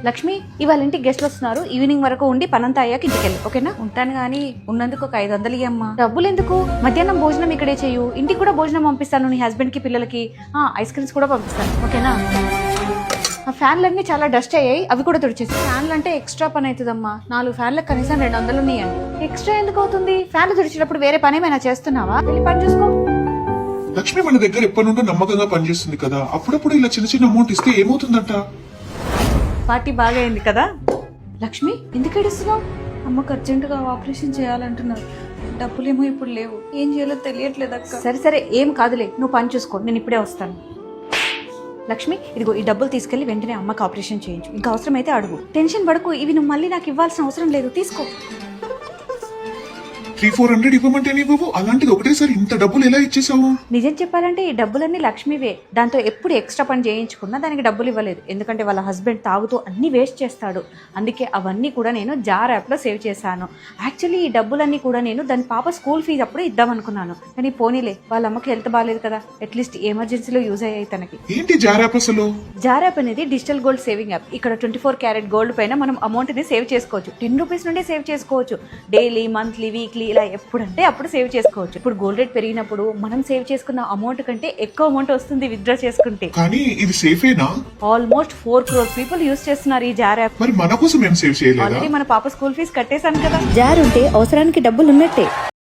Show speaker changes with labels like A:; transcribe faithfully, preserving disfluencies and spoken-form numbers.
A: లక్ష్మి, ఇవాళ ఇంటికి గెస్ట్లు వస్తున్నారు. ఈవినింగ్ వరకు ఉండి పనంతా అయ్యాక ఇంటికి వెళ్ళి, ఓకేనా? ఉంటాను గానీ ఉన్నందుకు ఒక ఐదు వందలు ఇయ్యమ్మా. డబ్బులు ఎందుకు? మధ్యాహ్నం భోజనం ఇక్కడే చేయు. ఇంటికి కూడా భోజనం పంపిస్తాను, నీ హస్బెండ్ కి పిల్లలకి. ఆ ఐస్ క్రీమ్స్ కూడా పంపిస్తాను, ఓకేనా? ఆ ఫ్యాన్లన్నీ చాలా డస్ట్ అయ్యాయి, అవి కూడా తుడిచేసి. ఫ్యాన్లు అంటే ఎక్స్ట్రా పని అవుతుందమ్మా. నాలుగు ఫ్యాన్లకు కనీసం రెండు వందలు ఉన్నాయండి. ఎక్స్ట్రా ఎందుకు అవుతుంది? ఫ్యాన్లు తుడిచేటప్పుడు వేరే పని ఏమైనా చేస్తున్నావా? వెళ్ళి పని చూసుకో.
B: లక్ష్మి మన దగ్గర ఎప్పటి నుండో నమ్మకంగా పనిచేస్తుంది కదా, అప్పుడప్పుడు ఇలా చిన్న చిన్న అమౌంట్ ఇస్తే ఏమవుతుందంట?
A: పార్టీ బాగా అయింది కదా. లక్ష్మి, ఎందుకు ఏడుస్తున్నావు? అమ్మకు అర్జెంటుగా ఆపరేషన్ చేయాలంటున్నారు. డబ్బులేమో ఇప్పుడు లేవు, ఏం చేయాలో తెలియట్లేదు అక్క. సరే సరే, ఏం కాదులే, నువ్వు పని చూసుకో, నేను ఇప్పుడే వస్తాను. లక్ష్మి, ఇదిగో ఈ డబ్బులు తీసుకెళ్లి వెంటనే అమ్మకి ఆపరేషన్ చేయించు. ఇంకా అవసరం అయితే అడుగు. టెన్షన్ పడకు, ఇవి నువ్వు మళ్ళీ నాకు ఇవ్వాల్సిన అవసరం లేదు, తీసుకో.
B: త్రీ ఫోర్ హండ్రెడ్ ఇవ్వమంటే ఇవ్వవు, అలాంటిది ఒకటేసారి ఇంత డబ్బులు ఎలా ఇచ్చేసావు?
A: నిజం చెప్పాలంటే ఈ డబ్బులన్నీ లక్ష్మివే. దాంతో ఎప్పుడు ఎక్స్ట్రా పని చేయించుకున్నా దానికి డబ్బులు ఇవ్వలేదు, ఎందుకంటే వాళ్ళ హస్బెండ్ తాగుతూ అన్ని వేస్ట్ చేస్తాడు. అందుకే అవన్నీ కూడా నేను జార్ యాప్ లో సేవ్ చేశాను. యాక్చువల్లీ ఈ డబ్బులన్నీ కూడా నేను దాని పాప స్కూల్ ఫీజు అప్పుడు ఇద్దాం అనుకున్నాను, కానీ పోనీలే, వాళ్ళ అమ్మకి హెల్త్ బాగాలేదు కదా, అట్లీస్ట్ ఎమర్జెన్సీలో యూజ్ అయ్యాయి తనకి.
B: ఏంటి జార్ యాప్ అసలు?
A: జార్ యాప్ అనేది డిజిటల్ గోల్డ్ సేవింగ్ యాప్. ఇక్కడ ట్వంటీ ఫోర్ క్యారెట్ గోల్డ్ పైన మనం అమౌంట్ ని సేవ్ చేసుకోవచ్చు. టెన్ రూపీస్ నుండి సేవ్ చేసుకోవచ్చు. డైలీ, మంత్లీ, వీక్లీ ఇలా ఎప్పుడంటే అప్పుడు సేవ్ చేసుకోవచ్చు. ఇప్పుడు గోల్డ్ రేట్ పెరిగినప్పుడు మనం సేవ్ చేసుకున్న అమౌంట్ కంటే ఎక్కువ అమౌంట్ వస్తుంది విత్డ్రా చేసుకుంటే.
B: కానీ ఇది సేఫేనా?
A: Almost four crore people use చేస్తున్నారు ఈ జార్ యాప్.
B: మరి మన కోసం ఏం సేవ్ చేయలేదా?
A: ఆల్రెడీ మన పాప స్కూల్ ఫీజు కట్టేశాను కదా. జార్ ఉంటే అవసరానికి డబ్బులు ఉన్నట్టే.